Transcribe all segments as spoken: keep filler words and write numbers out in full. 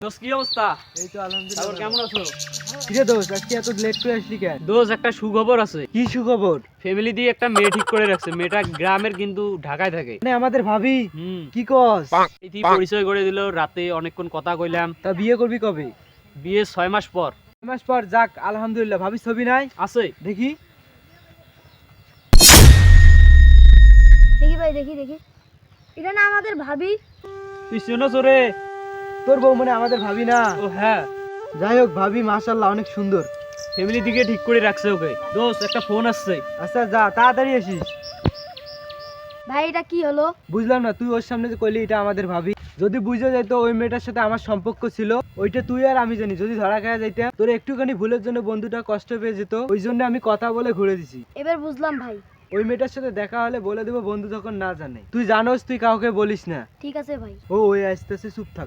দোস্ত কি অবস্থা? এই তো আলহামদুলিল্লাহ। তারপর কেমন আছো? কিরে দোস্ত, আজকে এত লেট করে আসলি কেন? দোস্ত একটা সুখবর আছে। কি সুখবর? ফ্যামিলি দিয়ে একটা মেয়ে ঠিক করে রাখছে। মেয়েটা গ্রামের কিন্তু ঢাকায় থাকে। মানে আমাদের ভাবি? হুম। কি কস? ইতি পরিচয় করে দিল, রাতে অনেকক্ষণ কথা কইলাম। তা বিয়ে করবি কবে? বিয়ে ছয় মাস পর। ছয় মাস পর? যাক আলহামদুলিল্লাহ। ভাবি ছবি নাই? আছে। দেখি দেখি ভাই, দেখি দেখি এটা না আমাদের ভাবি? তুই শুনো চোরে। তোর বউ মানে আমাদের ভাবি না? ও হ্যাঁ, যাই হোক, ভাবি মাশাআল্লাহ অনেক সুন্দর। ফ্যামিলি দিকে ঠিক করে রাখছে ওকে। দোস্ত একটা ফোন আসছে। আচ্ছা যা, তাড়াতাড়ি আসিস। ভাই এটা কি হলো? বুঝলাম না, তুই ওর সামনে যে কইলি এটা আমাদের ভাবি, যদি বুঝে যাইতো ওই মেয়েটার সাথে আমার সম্পর্ক ছিল, ওইটা তুই আর আমি জানি। যদি ধরা খাওয়া যাইতাম, তোর একটুখানি ভুলের জন্য বন্ধুটা কষ্ট পেয়ে যেত, ওই জন্য আমি কথা বলে ঘুরে দিছি। এবার বুঝলাম ভাই। ওই মেয়েটার সাথে দেখা হলে বলে দেবো বন্ধু যখন না জানে। তুই জানোস, তুই কাউকে বলিস না। ঠিক আছে ভাই। ও ওই আসতেছে, চুপ থাক।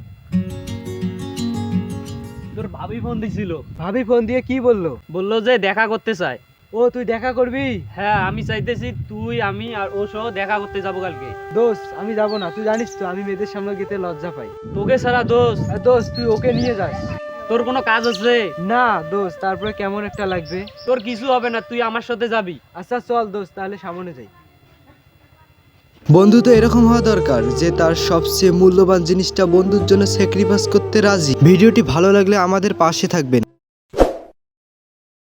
তোর ভাবি ফোন দিছিল। ভাবি ফোন দিয়ে কি বললো? বললো যে দেখা করতে চায়। ও তুই দেখা করবি? হ্যাঁ, আমি চাইতেছি তুই, আমি আর ও সহ দেখা করতে যাবো কালকে। দোস্ত আমি যাবো না, তুই জানিস তো আমি মেয়েদের সামনে গেতে লজ্জা পাই। তোকে ছাড়া দোস্ত। আর দোস্ত তুই ওকে নিয়ে যাস। তোর কোনো কাজ আছে? না দোস্ত, তারপরে কেমন একটা লাগবে। তোর কিছু হবে না, তুই আমার সাথে যাবি। আচ্ছা চল দোস্ত, তাহলে সামনে যাই। বন্ধু তো এরকম হওয়া দরকার যে তার সবচেয়ে মূল্যবান জিনিসটা বন্ধুর জন্য স্যাক্রিফাইস করতে রাজি। ভিডিওটি ভালো লাগলে আমাদের পাশে থাকবেন।